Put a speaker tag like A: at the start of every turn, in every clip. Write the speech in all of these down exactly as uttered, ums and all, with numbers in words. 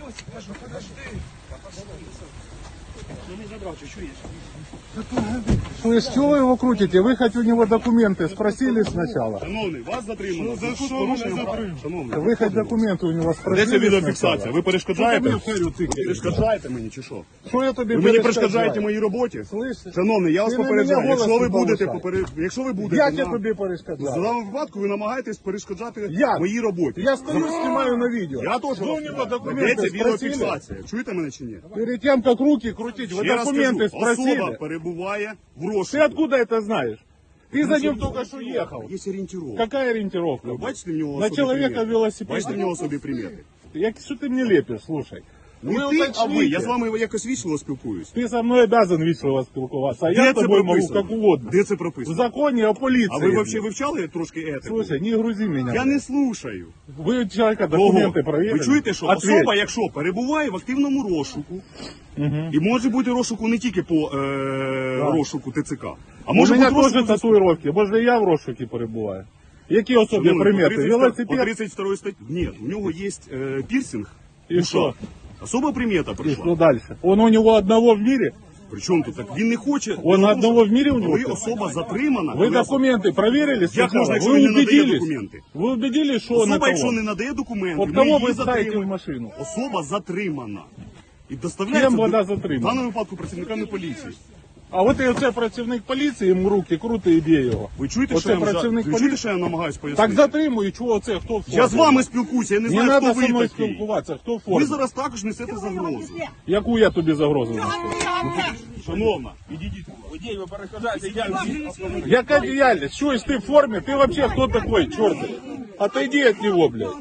A: Слышь, чего вы его крутите? Вы хоть у него документы спросили сначала?
B: Шановний, вас затримано.
C: За що мене затримали?
B: Шановний,
A: Вы хоть документы у него
B: де
A: спросили
B: ця відеофіксація?
A: сначала?
B: Ви перешкоджаєте?
A: Що ти мені вперед тикаєш?
B: Перешкоджаєте мені чи що?
A: Что я тебе
B: Ви мені
A: перешкоджаю?
B: перешкоджаєте моїй роботі?
A: Слышь,
B: Шановний, я вас
A: ти на
B: попереджаю,
A: мене
B: якщо ви
A: голос не
B: будете
A: повишай.
B: поперед... якщо ви будете
A: Як я
B: на...
A: тобі
B: в
A: перешкоджаю?
B: даному випадку ви намагаєтесь перешкоджати
A: Як?
B: моїй роботі.
A: Я стою, снимаю на видео.
B: Я теж
A: Вы у него
B: Де
A: документы
B: ця
A: спросили?
B: відеофіксація? Чуєте мене чи ні?
A: Перед тем, как руки крутить, вы
B: Ще раз
A: документы
B: кажу, особа
A: спросили?
B: перебуває в
A: Ты
B: розшуку.
A: откуда это знаешь? Ты за ним только что ехал.
B: Є орієнтировка.
A: Какая ориентировка?
B: Ви бачите в нього
A: На
B: особі
A: человека
B: примети?
A: велосипед.
B: Бачите в нього собі примети?
A: Я, что ты мне лепишь, слушай?
B: Не
A: Вы
B: ти, а ви.
A: уточните.
B: Я з вами якось вічливо спілкуюсь.
A: Ты со мной обязан вежливо спілкуватися, а я
B: Де
A: с
B: це
A: тобой могу
B: прописано?
A: как угодно.
B: Де це
A: В
B: прописано?
A: законе о полиции.
B: А ви взагалі вивчали трошки етику?
A: Слушай, не грузи меня.
B: Я не слушаю.
A: Вы у человека
B: Кого?
A: документы проверили?
B: Ви чуєте, що
A: Ответь.
B: особа, якщо перебуває в активному розшуку, і може бути розшуку не тільки по е, розшуку ТЦК, а
A: У
B: може
A: мене
B: бути
A: теж
B: розшуку...
A: татуїровки, може я в розшукі перебуваю. Які особі
B: Шановний,
A: примети?
B: по тридцять- По
A: Велосипед?
B: тридцать второй статті. Ні, у нього є е, пірсинг.
A: І
B: в
A: що?
B: ушах. Особа примета
A: И
B: прийшла.
A: что дальше? Он у него одного в мире?
B: Причому тут так? Він не хоче...
A: Он одного в мире у него?
B: Коли особа затримана...
A: Вы
B: коли ос-
A: документы проверили
B: Як можна,
A: сначала?
B: якщо
A: Вы
B: він не надає
A: убедились?
B: документи?
A: Вы убедились, что он
B: Особа,
A: это
B: якщо
A: он?
B: не надає документи,
A: Вот
B: ми
A: кого
B: її
A: вы ставите в
B: затримуємо.
A: машину?
B: Особа затримана. І доставляється
A: Ким вона
B: до-
A: затримана?
B: в даному випадку працівниками поліції.
A: А от і оце працівник поліції, йому руки крути і б'є його.
B: Ви чуєте,
A: Оце
B: що я, вам жа-
A: працівник
B: ви чуєте,
A: поліції?
B: що я намагаюсь пояснити?
A: Так затримую, чого це, хто в формі?
B: Я з вами спілкуюся, я не
A: Не
B: знаю,
A: треба
B: хто
A: зі
B: ви
A: мною
B: такий.
A: спілкуватися, хто в формі?
B: Ви зараз також несете загрозу.
A: Яку я тобі загрозу несу?
B: Шановна, підійдіть.
A: Водій, ви перешкоджаєте діяльність. Яка діяльність? Що, якщо ти в формі? Ти взагалі хто такой, чорт? Отойди від нього, блядь.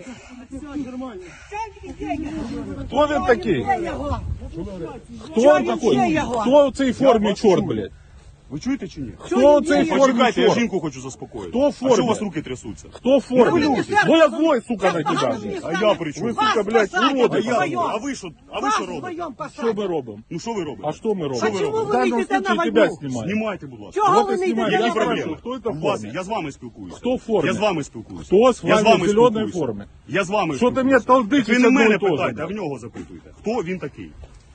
A: Хто він такий? Хто він такий? Хто в цій формі чорт, блядь?
B: Ви чуєте чи ні?
A: Хто в цій формі
B: Почекайте, я
A: чорт?
B: жінку хочу заспокоїти.
A: Хто в
B: А що
A: формі?
B: у вас руки трясуться?
A: Хто в формі? Бо я злой, сука, на тебе.
B: А я при чому?
A: Ви, сука, блядь,
B: А
A: уроди.
B: я, а ви що, а ви що робите?
A: Що ми робимо?
B: Ну що ви робите?
A: А що ми робимо?
B: Що ви
C: Чому
B: робите?
A: В даному
C: ви йдете на
A: случае
C: війну?
A: тебя знімають.
B: Знімайте, будь ласка.
C: Чого
A: Вот
C: ви
A: і
C: не
A: знімаю.
C: йдете
A: Я
B: Які
C: на
A: спрашиваю,
C: війну?
B: проблеми?
A: хто це в
B: У вас-
A: формі?
B: Я з вами спілкуюся.
A: Хто в формі?
B: Я з вами спілкуюся.
A: Хто з
B: Я з
A: вами
B: вами
A: в зеленій
B: спілкуюся.
A: формі?
B: Я з вами
A: Що ти
B: спілкуюся.
A: мене толдичиш
B: Так ви не
A: одно
B: мене
A: і то же,
B: питайте, а
A: блядь?
B: в нього запитуйте. Хто він такий?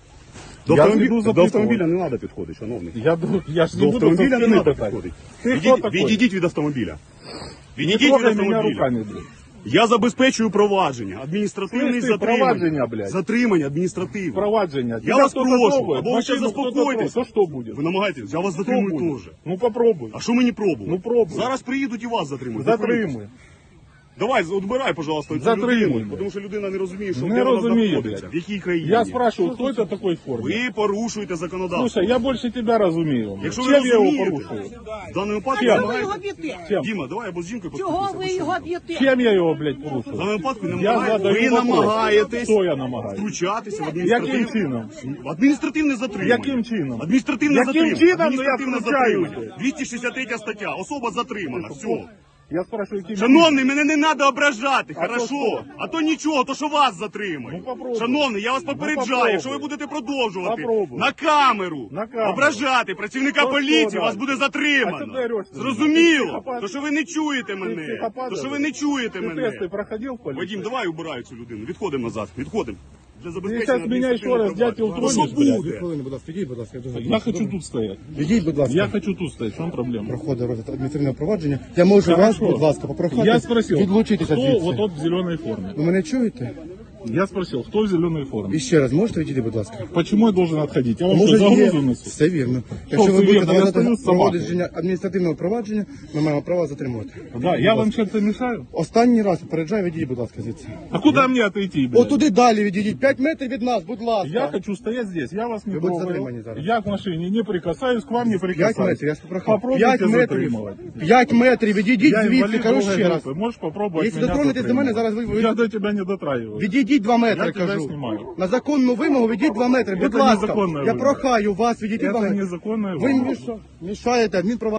B: До,
A: Я
B: автомобі-
A: піду
B: до
A: запитувати.
B: автомобіля не треба підходити, шановний.
A: Я, ду- я ж не
B: До
A: буду
B: автомобіля не
A: за спини
B: треба
A: питати.
B: підходити.
A: Ти хто
B: Відійдіть,
A: такий?
B: відійдіть від автомобіля.
A: Не
B: Відійдіть від
A: трогай мене
B: автомобіля.
A: руками, блядь.
B: Я забезпечую провадження, адміністративне
A: Слышь, ти,
B: затримання.
A: провадження, блядь.
B: Затримання адміністративне.
A: Провадження.
B: Я
A: Тебя
B: вас
A: кто-то
B: прошу,
A: трогает,
B: або ви ще
A: машину кто-то
B: заспокойтесь.
A: трогает, то что будет?
B: Ви намагаєтесь, я вас
A: Что
B: затримую
A: будет?
B: теж.
A: Ну попробуй.
B: А що мені пробувати?
A: Ну, пробуй.
B: Зараз приїдуть і вас затримують.
A: Затримуй.
B: Давай, отбирай, пожалуйста, цю
A: Затримуй,
B: людину,
A: блядь.
B: тому що людина не розуміє, що
A: Не
B: де вона
A: розуміє,
B: знаходиться,
A: блядь.
B: в якій країні.
A: Я спрашиваю, кто это такой в форме?
B: Ви порушуєте законодавство.
A: Слушай, я больше тебя разумею.
B: Якщо ви
A: Чем я его
B: розумієте,
A: порушую?
B: в даному випадку
A: Чого
C: Чого ви
B: намагаєтесь-
C: його б'єте?
A: Чем?
B: Діма, давай або з жінкою
C: Чого
B: поспілкуйся,
C: ви
B: або
C: його
B: що?
C: б'єте?
A: Чем я его, блядь,
B: В
A: порушую?
B: даному випадку
A: Я
B: намагаєтесь,
A: задаю
B: ви
A: вопрос.
B: намагаєтесь
A: Хто я намагаюсь?
B: втручатися в
A: Яким
B: адміністративне...
A: чином?
B: В адміністративне затримання.
A: Яким чином?
B: Адміністративне
A: Яким
B: затримання.
A: чином? Ну, я
B: Адміністративне
A: втручаюся.
B: затримання. двісті шістдесят третя стаття. Особа затримана. Все.
A: Я спрашиваю, каким
B: Шановний, мене не треба ображати,
A: А то
B: хорошо?
A: що?
B: А то нічого, то що вас затримують.
A: Ну, попробуй.
B: Шановний, я вас попереджаю,
A: попробуй.
B: якщо ви будете продовжувати
A: Попробуй.
B: на камеру,
A: На камеру.
B: ображати працівника
A: То
B: поліції,
A: що
B: вас
A: далі?
B: буде
A: А що
B: затримано.
A: ти ореш? Ти
B: Зрозуміло?
A: психопат?
B: То що ви не чуєте
A: Ты
B: мене.
A: психопат,
B: То що ви
A: блядь?
B: не чуєте
A: Ты
B: мене.
A: тесты проходил в полиции?
B: Вадим, давай убирай цю людину. Відходимо назад. Відходимо. Для
A: Ты
B: забезпечення
A: сейчас меня еще раз,
B: адміністративного
A: дятел,
B: провадження.
A: тронешь,
B: Ну, що
A: блядь?
B: буде?
D: Хвилину, будь ласка, ідіть, будь ласка, я дуже
A: Я хочу тут стоять.
D: Ідіть, будь ласка.
A: Я хочу тут стоять. В чем проблема?
D: Проходить розгляд адміністративного провадження. Я можу вас,
A: Хорошо.
D: будь ласка, попрохати
A: Я спросил,
D: відлучитися
A: кто
D: звідси.
A: вот тот в зеленой форме?
D: Ви мене чуєте?
A: Я спросил, кто в зеленой форме?
D: І ще раз, можете відійти, будь ласка?
A: Почему я должен отходить? Я вам
D: Може,
A: что,
D: є-
A: загрузу несу?
D: Все вірно. Якщо
A: все
D: ви будете
A: вірно? Я стою
D: давати
A: з собакою.
D: проводження адміністративного провадження, ми маємо право затримувати.
A: Да, я вам чем-то мешаю?
D: Останній раз попереджаю, відійдіть, будь ласка, звідси.
A: А куда мне отойти, блядь?
D: Отуди далі відійдіть, п'ять метрів від нас, будь ласка.
A: Я хочу стоять здесь, я вас не
D: Ви будете
A: трогаю.
D: затримані зараз.
A: Я к машине не прикасаюсь, к вам не
D: П'ять
A: прикасаюсь.
D: метрів, я ж попрохав.
A: Попробуйте
D: П'ять метрів.
A: затримывать.
D: П'ять метрів, відійдіть
A: Я
D: звідси,
A: инвалид
D: кажу
A: другой
D: ще раз.
A: группы. Можешь попробовать
D: Если
A: меня
D: дотронетесь до мене,
A: затримывать.
D: зараз ви- ви-
A: Я до тебя не дотрагиваюсь.
D: Відійдіть два метри,
A: Я тебе
D: кажу.
A: знімаю.
D: На законну вимогу відійдіть два метри, будь
A: Це
D: ласка.
A: незаконна
D: Я
A: вимога.
D: прохаю вас відійти два
A: Это
D: метри.
A: незаконная
D: Ви
A: вимога.
D: міша- мішаєте адмінправа.